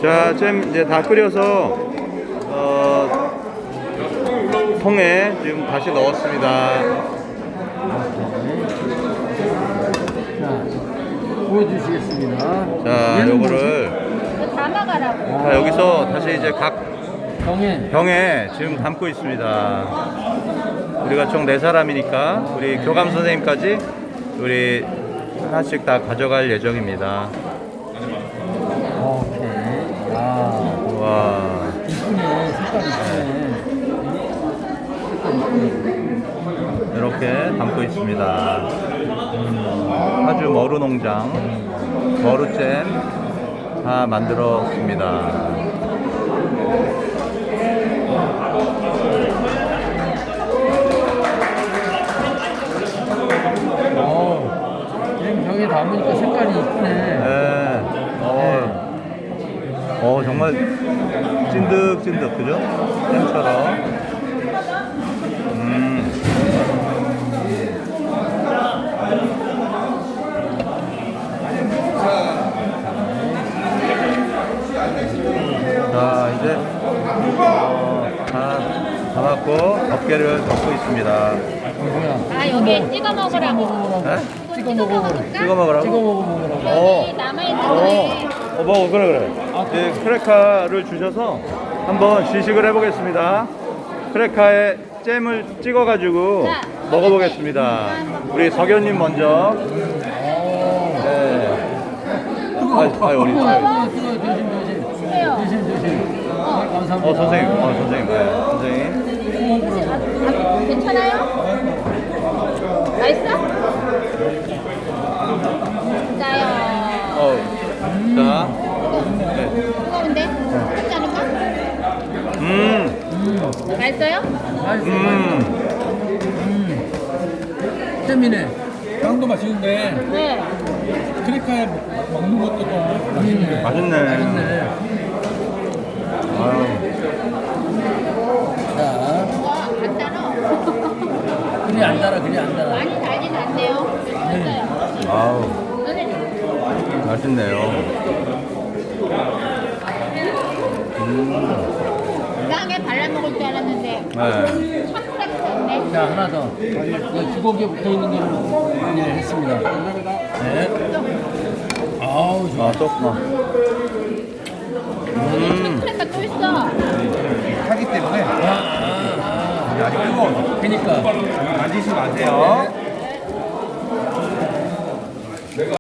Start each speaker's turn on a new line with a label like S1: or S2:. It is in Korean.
S1: 자, 잼 이제 다 끓여서 통에 지금 다시 넣었습니다.
S2: 자, 보여주시겠습니다.
S1: 자,
S2: 얘는
S1: 요거를
S3: 이거 담아가라고.
S1: 자, 여기서 다시 이제 각
S2: 병에
S1: 병에 지금 담고 있습니다. 우리가 총 4사람이니까 우리 교감 선생님까지 우리 하나씩 다 가져갈 예정입니다.
S2: 오케이. 야,
S1: 와,
S2: 이쁘네. 색깔 이쁘네.
S1: 이렇게 담고 있습니다. 아주 머루 농장, 머루잼 다 만들었습니다.
S2: 지금 병에 담으니까 색깔이 이쁘네.
S1: 네. 정말 찐득찐득, 그죠? 잼처럼. 자, 이제 다 담았고 어깨를 덮고 있습니다.
S2: 뭐야?
S3: 아, 여기에 찍어 먹으라고.
S1: 네?
S2: 찍어 먹어.
S1: 찍어 먹으라고?
S2: 찍어 먹으라고.
S3: 여기 남아있는 거에.
S1: 먹어, 그래. 이 크레카를 주셔서 한번 시식을 해보겠습니다. 크레카에 잼을 찍어가지고
S3: 자,
S1: 먹어보겠습니다. 우리 석연님 먼저. 네. 우리.
S3: 주세요.
S2: 조심. 감사합니다.
S1: 선생님. 네, 선생님.
S3: 괜찮아요? 맛있어? 진짜요.
S1: 자. 네.
S3: 뜨거운데? 뜨겁지 않을까? 맛있어요?
S2: 잼이네.
S4: 빵도 맛있는데
S3: 네.
S4: 크래커에 먹는 것도 더 맛있네.
S1: 맛있네.
S2: 맛있네.
S1: 아유.
S2: 자,
S3: 와, 안 달아.
S2: 그리 안 달아, 그리 안 달아.
S3: 많이 달진 않네요. 맛있어요.
S1: 아우,
S3: 선생님.
S1: 맛있네요.
S3: 땅에 발라먹을 줄 알았는데
S1: 네.
S3: 찹쌀이네.
S2: 자, 하나 더. 이 두곡에 붙어 있는 거를 예, 했습니다. 네. 아우, 좋아.
S1: 또,
S3: 크래커 또 있어.
S4: 하기 때문에
S2: 아,
S4: 아직 뜨거워서
S2: 그니까.
S4: 만지지 마세요.